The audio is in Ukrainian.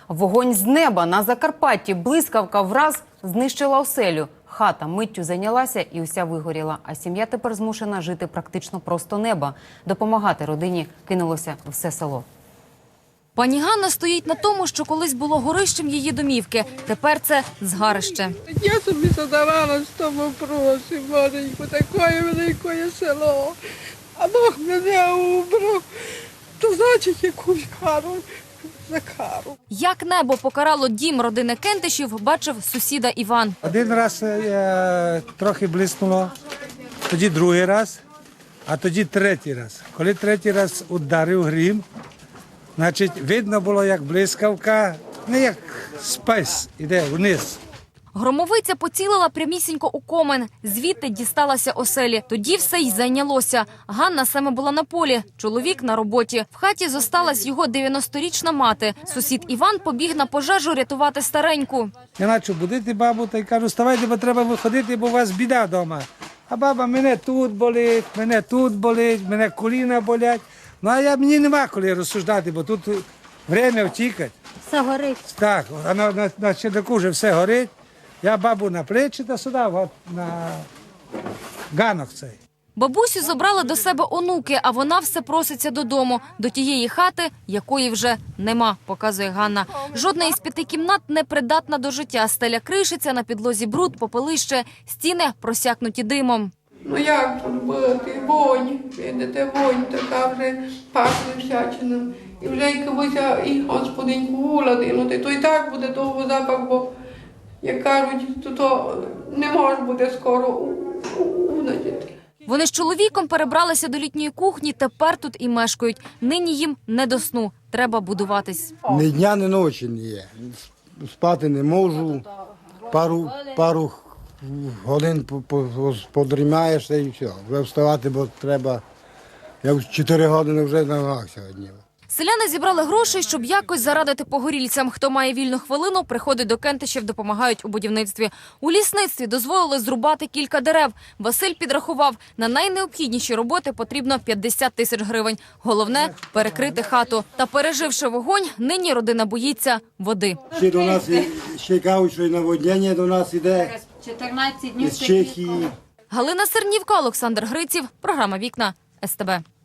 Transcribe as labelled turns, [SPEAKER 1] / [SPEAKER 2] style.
[SPEAKER 1] Вогонь з неба на Закарпатті. Блискавка враз знищила оселю. Хата миттю зайнялася і уся вигоріла. А сім'я тепер змушена жити практично просто неба. Допомагати родині кинулося все село.
[SPEAKER 2] Пані Ганна стоїть на тому, що колись було горищем її домівки. Тепер це згарище.
[SPEAKER 3] Я собі задавала з тому вопросі, маленьку, таке велике село. А Бог мене убрав, то значить якусь кару за кару.
[SPEAKER 2] Як небо покарало дім родини Кентишів, бачив сусіда Іван.
[SPEAKER 4] Один раз трохи блиснуло, тоді другий раз, а тоді третій раз. Коли третій раз ударив грім, значить видно було, як блискавка, не як спайс, іде вниз.
[SPEAKER 2] Громовиця поцілила прямісінько у комен. Звідти дісталася оселі. Тоді все й зайнялося. Ганна саме була на полі, чоловік на роботі. В хаті зосталась його 90-річна мати. Сусід Іван побіг на пожежу рятувати стареньку.
[SPEAKER 4] Я почав будити бабу та й кажу, вставайте, бо треба виходити, бо у вас біда вдома. А баба, мене тут болить, мене коліна болять. Ну, а мені нема коли розсуждати, бо тут время втікати.
[SPEAKER 5] Все горить.
[SPEAKER 4] Так, а на чердаку вже все горить. Я бабу на плечі та сюди, от, на ганок цей.
[SPEAKER 2] Бабусю забрали до себе онуки, а вона все проситься додому. До тієї хати, якої вже нема, показує Ганна. Жодна із 5 кімнат не придатна до життя. Стеля кришиться, на підлозі бруд, попелище, стіни просякнуті димом.
[SPEAKER 3] Ну як тут бути? Вонь, видите, вонь така вже пахне всячиною. І вже якось і господиньку уладинути, то і так буде довго запах, бо, як кажуть, то не може бути скоро унадіти.
[SPEAKER 2] Вони з чоловіком перебралися до літньої кухні, тепер тут і мешкають. Нині їм не до сну, треба будуватись.
[SPEAKER 6] Ні дня, ні ночі не є. Спати не можу, пару годин подрімаєшся і все. Вже вставати, бо треба. Я в 4 години вже на ногах сьогодні.
[SPEAKER 2] Селяни зібрали грошей, щоб якось зарадити погорільцям. Хто має вільну хвилину, приходить до Кентишів, допомагають у будівництві. У лісництві дозволили зрубати кілька дерев. Василь підрахував, на найнеобхідніші роботи потрібно 50 тисяч гривень. Головне – перекрити хату. Та переживши вогонь, нині родина боїться води.
[SPEAKER 6] Ще до нас ще кажуть, що і наводнення до нас іде
[SPEAKER 5] 14 днів
[SPEAKER 6] з Чехії.
[SPEAKER 2] Галина Сернівка, Олександр Гриців. Програма «Вікна» СТБ.